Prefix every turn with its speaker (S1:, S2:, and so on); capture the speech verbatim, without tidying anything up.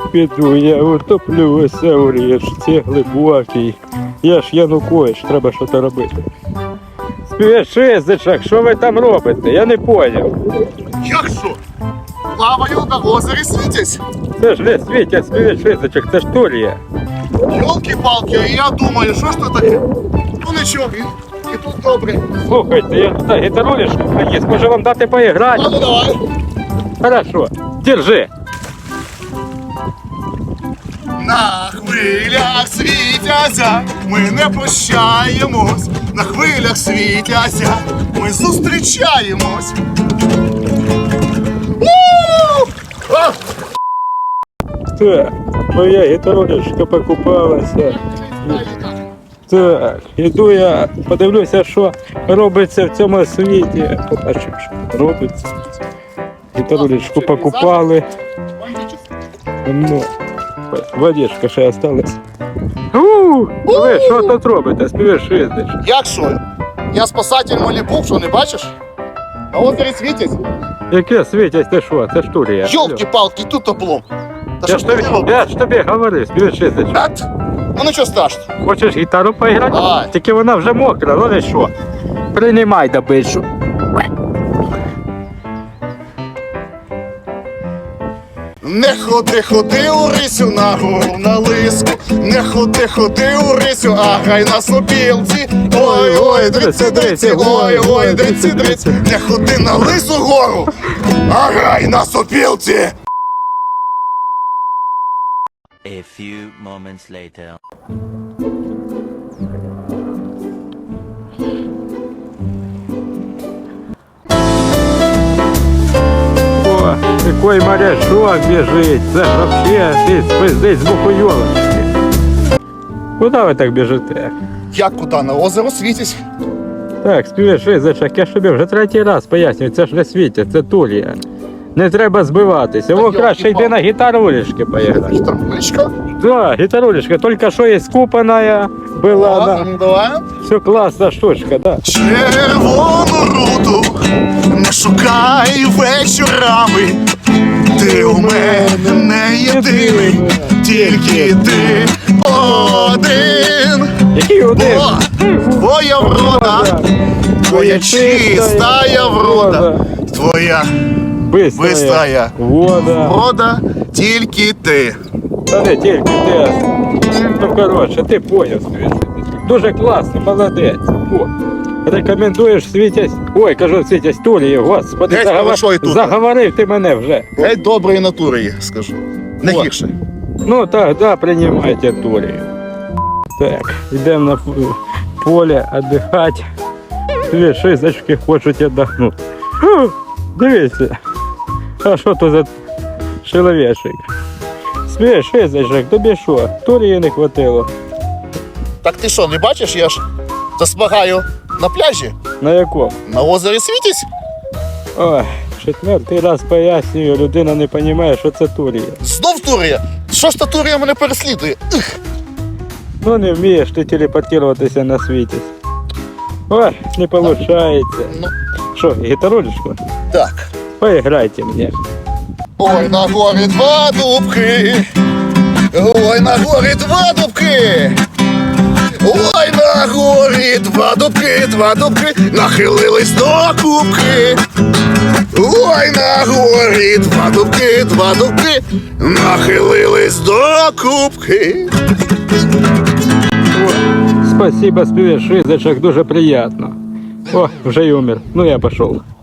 S1: піду, я утоплюся у річці глибокій. Я ж Янукович, треба щось робити. Співвітчизичок, що ви там робите? Я не поняв.
S2: Як що? Плаваю на озері Світязь.
S1: Це ж не Світязь, співвітчизичок, це ж Турія.
S2: Йолки-палки, я думаю, що ж це таке? Ну нічого, і, і тут добре.
S1: Слухайте, я тут гітарулішку приніс, може вам дати поіграти?
S2: Ну давай.
S1: Хорошо, держи.
S2: На хвилях Світязя ми не прощаємось. На хвилях Світязя ми зустрічаємось. У! А!
S1: Так, моя гітарулішка покупалася. Так, іду я, подивлюся, що робиться в цьому світі. Побачимо, що робиться. Гітарулішку покупали. Ну, водичка ще осталась. У, ви що тут робите? Співвітчизич.
S2: Як що? Я спасатель Малібу, що не бачиш? На озері Світязь.
S1: Яке Світязь, ти що? Це ж Турія.
S2: Йолки-палки, тут облом. Та
S1: Я
S2: що
S1: ж
S2: ж ти
S1: тобі,
S2: робиш?
S1: я ж тобі говорив, співвітчизич.
S2: Ет? Ну нічого страшного.
S1: Хочеш гітару поіграти?
S2: Давай.
S1: Тільки вона вже мокра, ну не що. Приймай добичу.
S2: Не ходи, ходи у рисю на гору на лиску. Не ходи, ходи у рисю, а гай на сопілці. Ой, ой, дриці, дриці, ой, ой, дриці, дриці. Не ходи на лису гору, а гай на сопілці.
S3: A few moments later.
S1: О, какой морячок бежит. Це ж вообще ти спиздить з боку йолочки. Куди ви так біжите?
S2: Як куди? На озеро Світязь?
S1: Так, співвітчизичок, я ж тобі вже третій раз пояснюю, це ж не Світязь, це Турія. Не треба збиватися. Во, краще йди на гітарулішки поіграти.
S2: Гітарулечка?
S1: Да, гітарулішка, тільки що є скупаная була.
S2: Ладно,
S1: Да.
S2: ну давай.
S1: Все класна штучка, да.
S2: Червону руту не шукай вечорами. Ти у мене не єдиний, тільки ти один.
S1: Який один?
S2: О, твоя врода, твоя чистая врода, твоя
S1: Быстрая.
S2: бистрая
S1: Вода.
S2: врода, тільки ти.
S1: Та не тільки ти. Ну, коротше, ти поняв, співвітчизичок. Дуже класно, молодець. О, рекомендуєш Світязь. Ой, кажу, Світязь Турії, господи,
S2: Геть
S1: заговор...
S2: хорошої тут.
S1: заговорив ти мене вже.
S2: Геть доброї натури є, скажу. Не
S1: О.
S2: гірше.
S1: Ну, тогда приймайте Турію. Так, йдемо на п- поле віддихати. Співвітчизички хочуть віддохнути. Фу, дивіться. А що то за чоловічик? Співвітчизичок, тобі що? Турії не хватило.
S2: Так ти що, не бачиш, я ж засмагаю на пляжі,
S1: На якому?
S2: на озері Світязь.
S1: Ой, четвертий раз пояснюю, людина не розуміє, що це Турія.
S2: Знов Турія. Що ж та Турія мене переслідує? Ух.
S1: Ну не вмієш ти телепортуватися на світі. Ой, не виходить.
S2: Ну,
S1: Що, гітарулечку?
S2: так.
S1: Поіграйте мені.
S2: Ой, на горі два дубки. Ой, на горі два дубки. Ой, на горі два дубки, два дубки, нахилились до кубки. Ой, на горі два дубки, два дубки, нахилились до кубки.
S1: О, спасибо, співвітчизичок, дуже приємно. О, вже й умер. Ну я пішов.